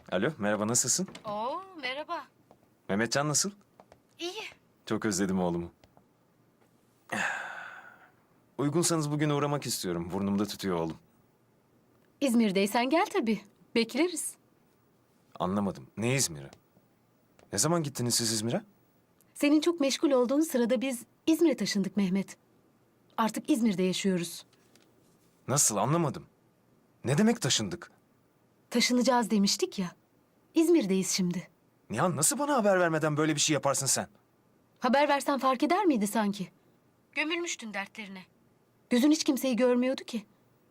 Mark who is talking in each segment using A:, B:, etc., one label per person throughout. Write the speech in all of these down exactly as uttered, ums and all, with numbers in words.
A: Alo, merhaba, nasılsın?
B: Oo, merhaba.
A: Mehmetcan nasıl?
B: İyi.
A: Çok özledim oğlumu. Uygunsanız bugün uğramak istiyorum. Burnumda tutuyor oğlum.
B: İzmir'deysen gel tabii. Bekleriz.
A: Anlamadım. Ne İzmir'i? Ne zaman gittiniz siz İzmir'e?
B: Senin çok meşgul olduğun sırada biz İzmir'e taşındık Mehmet. Artık İzmir'de yaşıyoruz.
A: Nasıl, anlamadım. Ne demek taşındık?
B: Taşınacağız demiştik ya. İzmir'deyiz şimdi.
A: Nihan, nasıl bana haber vermeden böyle bir şey yaparsın sen?
B: Haber versen fark eder miydi sanki? Gömülmüştün dertlerine. Gözün hiç kimseyi görmüyordu ki.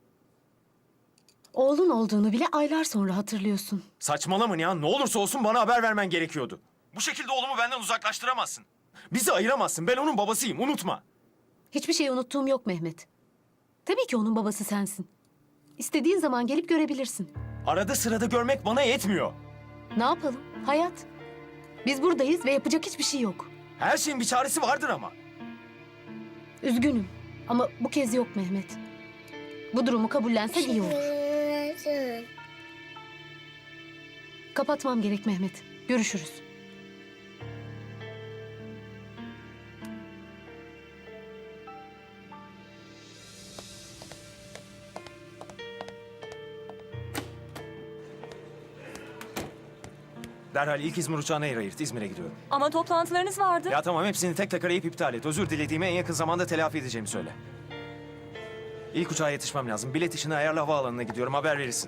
B: Oğlun olduğunu bile aylar sonra hatırlıyorsun.
A: Saçmalama Nihan, ne olursa olsun bana haber vermen gerekiyordu. Bu şekilde oğlumu benden uzaklaştıramazsın. Bizi ayıramazsın, ben onun babasıyım, unutma.
B: Hiçbir şey unuttuğum yok Mehmet. Tabii ki onun babası sensin. İstediğin zaman gelip görebilirsin.
A: Arada sırada görmek bana yetmiyor.
B: Ne yapalım? Hayat. Biz buradayız ve yapacak hiçbir şey yok.
A: Her şeyin bir çaresi vardır ama.
B: Üzgünüm ama bu kez yok Mehmet. Bu durumu kabullensek iyi olur. Kapatmam gerek Mehmet. Görüşürüz.
A: Derhal ilk İzmir uçağına yer ayırt, İzmir'e gidiyorum.
C: Ama toplantılarınız vardı.
A: Ya tamam, hepsini tek tek arayıp iptal et. Özür dilediğimi en yakın zamanda telafi edeceğimi söyle. İlk uçağa yetişmem lazım. Bilet işini ayarla, havaalanına gidiyorum. Haber verirsin.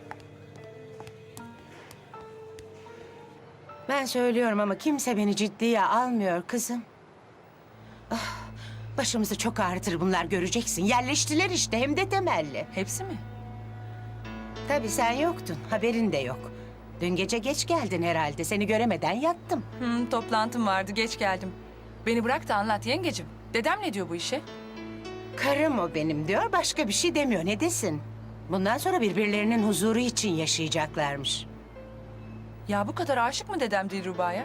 D: Ben söylüyorum ama kimse beni ciddiye almıyor kızım. Ah, başımızı çok ağrıtır bunlar, göreceksin. Yerleştiler işte, hem de temelli.
C: Hepsi mi?
D: Tabii sen yoktun, haberin de yok. Dün gece geç geldin herhalde, seni göremeden yattım.
C: Hı, toplantım vardı, geç geldim. Beni bırak da anlat yengecim. Dedem ne diyor bu işe?
D: Karım o benim diyor, başka bir şey demiyor. Ne desin? Bundan sonra birbirlerinin huzuru için yaşayacaklarmış.
C: Ya bu kadar aşık mı dedem Dilruba'ya?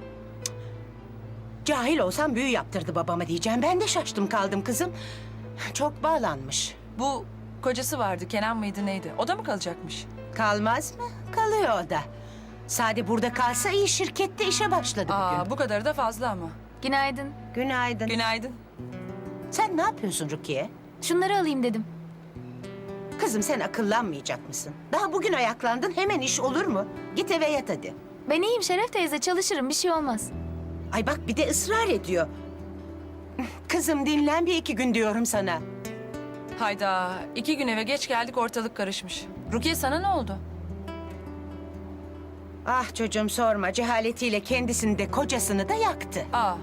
D: Cahil olsam büyü yaptırdı babama diyeceğim. Ben de şaştım kaldım kızım. Çok bağlanmış.
C: Bu kocası vardı, Kenan mıydı neydi? O da mı kalacakmış?
D: Kalmaz mı? Kalıyor o da. Sade burada kalsa iyi, şirkette işe başladı bugün.
C: Aa, bu kadarı da fazla ama.
E: Günaydın.
D: Günaydın.
C: Günaydın.
D: Sen ne yapıyorsun Rukiye?
E: Şunları alayım dedim.
D: Kızım sen akıllanmayacak mısın? Daha bugün ayaklandın, hemen iş olur mu? Git eve yat hadi.
E: Ben iyiyim Şeref teyze, çalışırım, bir şey olmaz.
D: Ay bak, bir de ısrar ediyor. Kızım dinlen bir iki gün diyorum sana.
C: Hayda, iki gün eve geç geldik, ortalık karışmış. Rukiye sana ne oldu?
D: Ah çocuğum sorma, cehaletiyle kendisini de kocasını da yaktı.
C: Aa,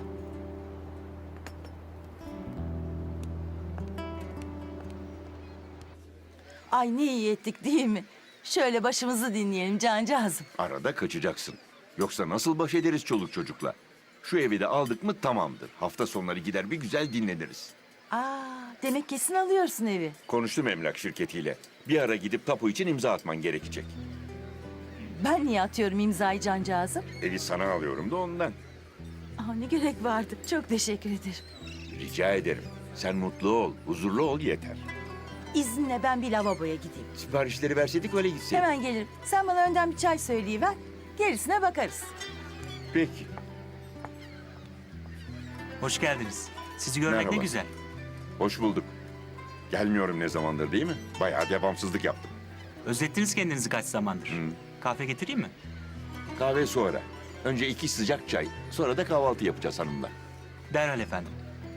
F: Ay ne iyi ettik değil mi? Şöyle başımızı dinleyelim cancağızım.
G: Arada kaçacaksın. Yoksa nasıl baş ederiz çoluk çocukla? Şu evi de aldık mı tamamdır. Hafta sonları gider bir güzel dinleniriz.
F: Aa, demek kesin alıyorsun evi.
G: Konuştum emlak şirketiyle. Bir ara gidip tapu için imza atman gerekecek.
F: Ben niye atıyorum imzayı cancağızım?
G: Evi sana alıyorum da ondan.
F: Aa, ne gerek vardı. Çok teşekkür ederim.
G: Rica ederim. Sen mutlu ol, huzurlu ol yeter.
F: İzninle ben bir lavaboya gideyim.
G: Siparişleri verseydik öyle gitseydik.
F: Hemen gelirim. Sen bana önden bir çay söyleyiver. Gerisine bakarız.
G: Peki.
H: Hoş geldiniz. Sizi görmek
G: Merhaba.
H: ne güzel.
G: Hoş bulduk. Gelmiyorum ne zamandır değil mi? Bayağı devamsızlık yaptım.
H: Özlettiniz kendinizi kaç zamandır.
G: Hı.
H: Kahve getireyim mi?
G: Kahve sonra. Önce iki sıcak çay. Sonra da kahvaltı yapacağız hanımla.
H: Derhal efendim.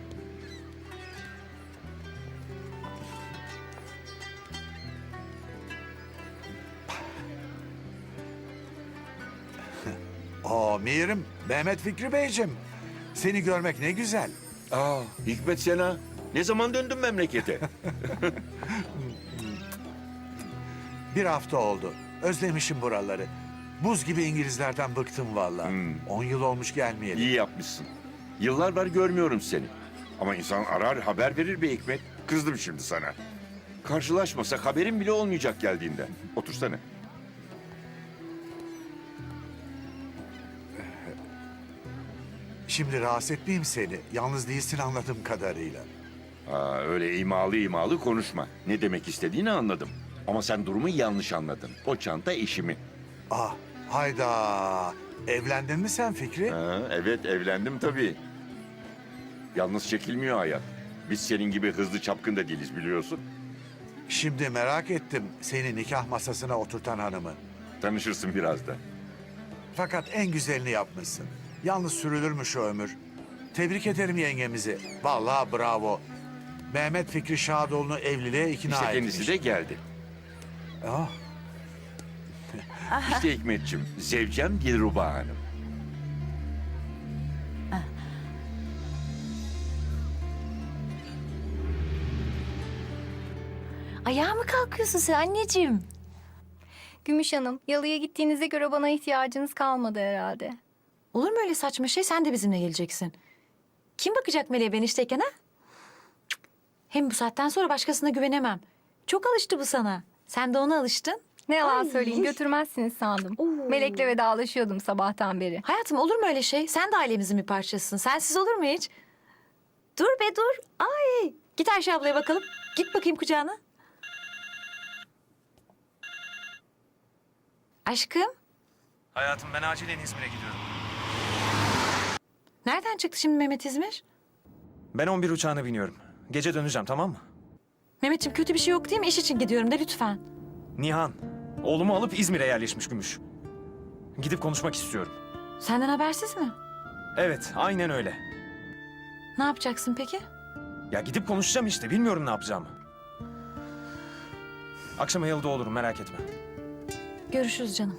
I: Oo Mirim, Mehmet Fikri Beyciğim. Seni görmek ne güzel.
G: Aa, Hikmet Sena. Ne zaman döndün memlekete?
I: Bir hafta oldu. Özlemişim buraları. Buz gibi İngilizlerden bıktım vallahi.
G: Hmm.
I: On yıl olmuş gelmeyeli.
G: İyi yapmışsın. Yıllar var görmüyorum seni. Ama insan arar haber verir be Hikmet. Kızdım şimdi sana. Karşılaşmasak haberin bile olmayacak geldiğinde. Otursana.
I: Şimdi rahatsız etmeyeyim seni. Yalnız değilsin anladığım kadarıyla.
G: Aa, öyle imalı imalı konuşma. Ne demek istediğini anladım. Ama sen durumu yanlış anladın. O çanta eşimi.
I: Ah, Hayda. Evlendin mi sen Fikri?
G: Ha, evet evlendim tabii. Yalnız çekilmiyor hayat. Biz senin gibi hızlı çapkın da değiliz biliyorsun.
I: Şimdi merak ettim seni nikah masasına oturtan hanımı.
G: Tanışırsın biraz da.
I: Fakat en güzelini yapmışsın. Yalnız sürülür mü şu ömür? Tebrik ederim yengemizi. Vallahi bravo. Mehmet Fikri Şadoğlu'nu evliliğe ikna
G: İşte
I: etmiş.
G: kendisi de geldi.
I: Ah,
G: İşte Hikmetciğim, zevcem Dilruba Hanım.
F: Ayağa mı kalkıyorsun sen anneciğim?
E: Gümüş Hanım, yalıya gittiğinize göre bana ihtiyacınız kalmadı herhalde.
F: Olur mu öyle saçma şey? Sen de bizimle geleceksin. Kim bakacak Meleğe ben işteyken ha? Cık. Hem bu saatten sonra başkasına güvenemem. Çok alıştı bu sana. Sen de ona alıştın.
E: Ne yalan
F: Ay.
E: söyleyeyim, götürmezsiniz sandım.
F: Oo.
E: Melek'le vedalaşıyordum sabahtan beri.
F: Hayatım olur mu öyle şey? Sen de ailemizin bir parçasısın. Sensiz olur mu hiç? Dur be dur. Ay. Git Ayşe ablaya bakalım. Git bakayım kucağına. Aşkım,
A: Hayatım ben acilen İzmir'e gidiyorum.
F: nereden çıktı şimdi Mehmet İzmir?
A: Ben on bir uçağına biniyorum. Gece döneceğim tamam mı?
F: Mehmetciğim kötü bir şey yok değil mi? İş için gidiyorum de lütfen.
A: Nihan, oğlumu alıp İzmir'e yerleşmiş Gümüş. Gidip konuşmak istiyorum.
F: Senden habersiz mi?
A: Evet, aynen öyle.
F: Ne yapacaksın peki?
A: Ya gidip konuşacağım işte, bilmiyorum ne yapacağımı. Akşama yalıda olurum, merak etme.
F: Görüşürüz canım.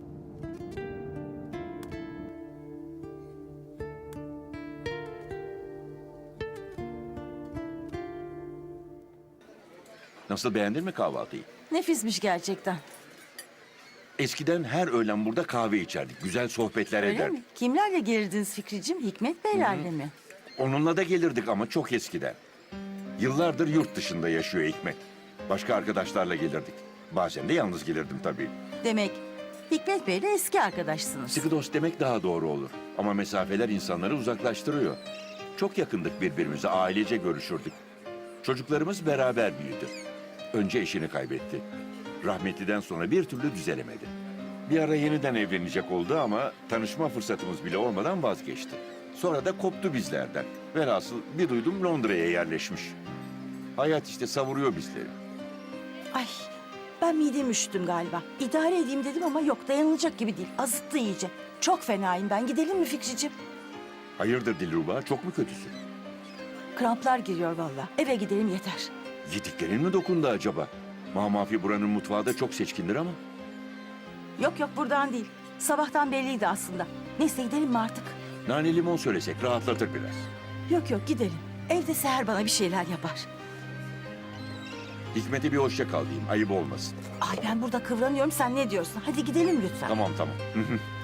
G: Nasıl, beğendin mi kahvaltıyı?
F: Nefismiş gerçekten.
G: Eskiden her öğlen burada kahve içerdik. Güzel sohbetler
F: Öyle
G: ederdik.
F: mi? Kimlerle gelirdiniz Fikriciğim? Hikmet Beylerle mi?
G: Onunla da gelirdik ama çok eskiden. Yıllardır yurt dışında yaşıyor Hikmet. Başka arkadaşlarla gelirdik. Bazen de yalnız gelirdim tabii.
F: Demek Hikmet Bey'le eski arkadaşsınız.
G: Sıkı dost demek daha doğru olur. Ama mesafeler insanları uzaklaştırıyor. Çok yakındık birbirimize, ailece görüşürdük. Çocuklarımız beraber büyüdü. Önce eşini kaybetti. Rahmetliden sonra bir türlü düzelemedi. Bir ara yeniden evlenecek oldu ama tanışma fırsatımız bile olmadan vazgeçti. Sonra da koptu bizlerden. Velhasıl bir duydum Londra'ya yerleşmiş. Hayat işte savuruyor bizleri.
J: Ay ben midemi üşüttüm galiba. İdare edeyim dedim ama yok dayanılacak gibi değil. Azıttı iyice. Çok fenayım ben. Gidelim mi Fikriciğim?
G: Hayırdır Dilruba, çok mu kötüsün?
J: Kramplar giriyor vallahi. Eve gidelim yeter.
G: Yediklerin mi dokundu acaba? Mamafi buranın mutfağı da çok seçkindir ama.
J: Yok yok buradan değil. Sabahtan belliydi aslında. Neyse gidelim mi artık?
G: Nane limon söylesek rahatlatır biraz.
J: Yok yok gidelim. Evde Seher bana bir şeyler yapar.
G: Hikmet'e bir hoşça kal diyeyim, ayıp olmasın.
J: Ay ben burada kıvranıyorum sen ne diyorsun? Hadi gidelim lütfen.
G: Tamam tamam. Hı hı.